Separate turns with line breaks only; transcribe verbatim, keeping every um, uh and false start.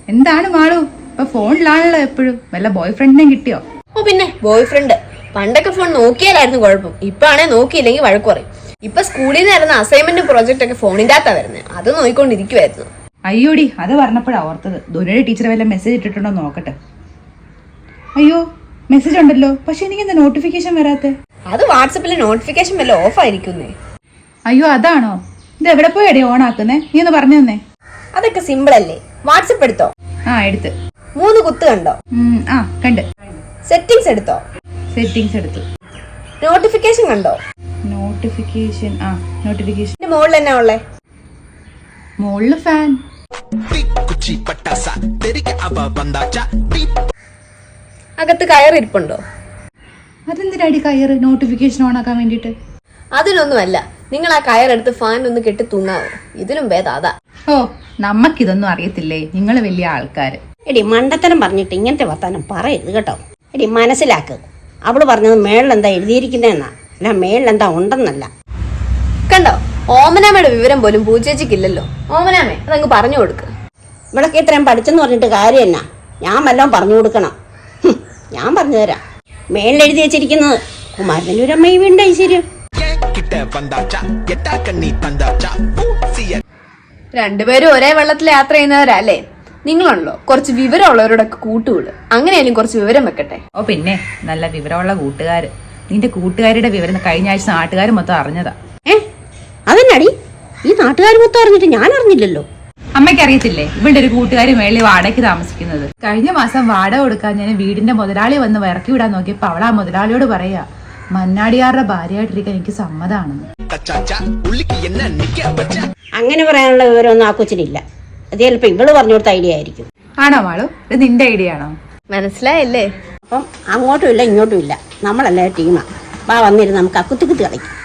എന്താണ് മാളു ഇപ്പൊ ഫോണിലാണല്ലോ എപ്പോഴും? വല്ല ബോയ് ഫ്രണ്ടിനെ കിട്ടിയോ?
ഓ പിന്നെ ബോയ് ഫ്രണ്ട്. പണ്ടൊക്കെ ഫോൺ നോക്കിയാലായിരുന്നു കുഴപ്പം. ഇപ്പൊ ആണെ നോക്കിയില്ലെങ്കിൽ വഴക്ക് പറയും. ഇപ്പൊ സ്കൂളിൽ നിന്ന് വരുന്ന അസൈൻമെന്റ് പ്രോജക്റ്റ് ഒക്കെ ഫോണിന്റെ അകത്താ വരുന്നത്. അത് നോക്കിക്കൊണ്ടിരിക്കുവായിരുന്നു.
അയ്യോടി, അത് പറഞ്ഞപ്പോഴാ ഓർത്തത്. ധോനിയുടെ ടീച്ചർ വല്ല മെസ്സേജ് ഇട്ടിട്ടുണ്ടോ നോക്കട്ടെ. അയ്യോ, മെസ്സേജ് ഉണ്ടല്ലോ, പക്ഷെ എനിക്ക് എന്താ നോട്ടിഫിക്കേഷൻ വരാത്തെ?
അത് വാട്സപ്പിലെ നോട്ടിഫിക്കേഷൻ വല്ല ഓഫ് ആയിരിക്കുന്നേ.
അയ്യോ അതാണോ? ഇത് എവിടെ പോയി അടി ഓൺ ആക്കുന്നേ? നീ ഒന്ന് പറഞ്ഞു തന്നെ.
അതൊക്കെ സിമ്പിൾ അല്ലേ. വാട്സപ്പ് എടുത്തോ?
ആ എടുത്ത്.
മൂന്ന് കുത്ത് കണ്ടോ?
ആ കണ്ട്.
സെറ്റിംഗ്സ് എടുത്തോ?
സെറ്റിംഗ്സ് എടുത്തു.
നോട്ടിഫിക്കേഷൻ കണ്ടോ?
നോട്ടിഫിക്കേഷൻ ആ നോട്ടിഫിക്കേഷൻ
മുകളിൽ എന്നാ ഉള്ളേ?
മുകളില് ഫാൻ.
അകത്ത് കയറിയിരിപ്പുണ്ടോ?
അതെന്തിനാടി കയറ് നോട്ടിഫിക്കേഷൻ ഓൺ ആക്കാൻ വേണ്ടിട്ട്?
അതിനൊന്നുമല്ല. നിങ്ങൾ ആ കയറെടുത്ത് ഫാൻ ഒന്ന് കെട്ടി തൂങ്ങാവോ? ഇതിലും ഭേദം അതാ.
ഓ, നമ്മക്കിതൊന്നും അറിയത്തില്ലേ, നിങ്ങൾ വലിയ ആൾക്കാര്.
എടി മണ്ടത്തരം പറഞ്ഞിട്ട് ഇങ്ങനത്തെ വർത്താനം പറയരുത് കേട്ടോ. എടി മനസ്സിലാക്ക്, അവള് പറഞ്ഞത് മേളിലെന്താ എഴുതിയിരിക്കുന്നതെന്നാ, അല്ല മേളിലെന്താ ഉണ്ടെന്നല്ല.
കണ്ടോ, ഓമനാമയുടെ വിവരം പോലും പൂച്ചേച്ചിക്കില്ലല്ലോ. ഓമനാമേ അതങ്ങ് പറഞ്ഞു കൊടുക്ക്.
ഇവിടൊക്കെ ഇത്രയും പഠിച്ചെന്ന് പറഞ്ഞിട്ട് കാര്യം എന്നാ? ഞാൻ വല്ലതും പറഞ്ഞു കൊടുക്കണം. ഞാൻ പറഞ്ഞു തരാം. മേളിൽ എഴുതി വെച്ചിരിക്കുന്നത് കുമാരന്റെ ഒരു അമ്മയും വീണ്ട ഐശ്വര്യം.
രണ്ടുപേരും ഒരേ വെള്ളത്തിൽ യാത്ര ചെയ്യുന്നവരല്ലേ? നിങ്ങളുണ്ടല്ലോ കുറച്ച് വിവരമുള്ളവരോടൊക്കെ കൂട്ടുകൂട്. അങ്ങനെയാലും കുറച്ച് വിവരം വെക്കട്ടെ.
ഓ പിന്നെ, നല്ല വിവരമുള്ള കൂട്ടുകാര്. നിന്റെ കൂട്ടുകാരുടെ വിവരം കഴിഞ്ഞ ആഴ്ച നാട്ടുകാർ മൊത്തം അറിഞ്ഞതാ.
ഏ അതെന്നാടി ഈ നാട്ടുകാർ മൊത്തം അറിഞ്ഞിട്ട് ഞാൻ അറിഞ്ഞില്ലല്ലോ.
അമ്മയ്ക്ക് അറിയത്തില്ലേ ഇവളുടെ ഒരു കൂട്ടുകാരി മേളിൽ വാടകയ്ക്ക് താമസിക്കുന്നത്? കഴിഞ്ഞ മാസം വാടക കൊടുക്കാൻ ഞാൻ വീടിന്റെ മുതലാളി വന്ന് ഇറക്കി വിടാൻ നോക്കിയപ്പോ അവൾ ആ മുതലാളിയോട് പറയാ, മന്നാടിയാറുടെ ഭാര്യയായിട്ടിരിക്കാൻ എനിക്ക് സമ്മതാണെന്ന്.
അങ്ങനെ പറയാനുള്ള വിവരമൊന്നും ആ കൊച്ചിനില്ല. അത് ചിലപ്പോ ഇവള് പറഞ്ഞു കൊടുത്ത ഐഡിയ ആയിരിക്കും.
ആണോ മാളു? ഇത് നിന്റെ ഐഡിയ ആണോ?
മനസ്സിലായല്ലേ?
അപ്പം അങ്ങോട്ടും ഇല്ല ഇങ്ങോട്ടും ഇല്ല, നമ്മളെല്ലാവരും ടീമാ. വാ വന്നിരുന്ന് നമുക്ക് ആ കുത്തിക്കുത്തി കളിക്കും.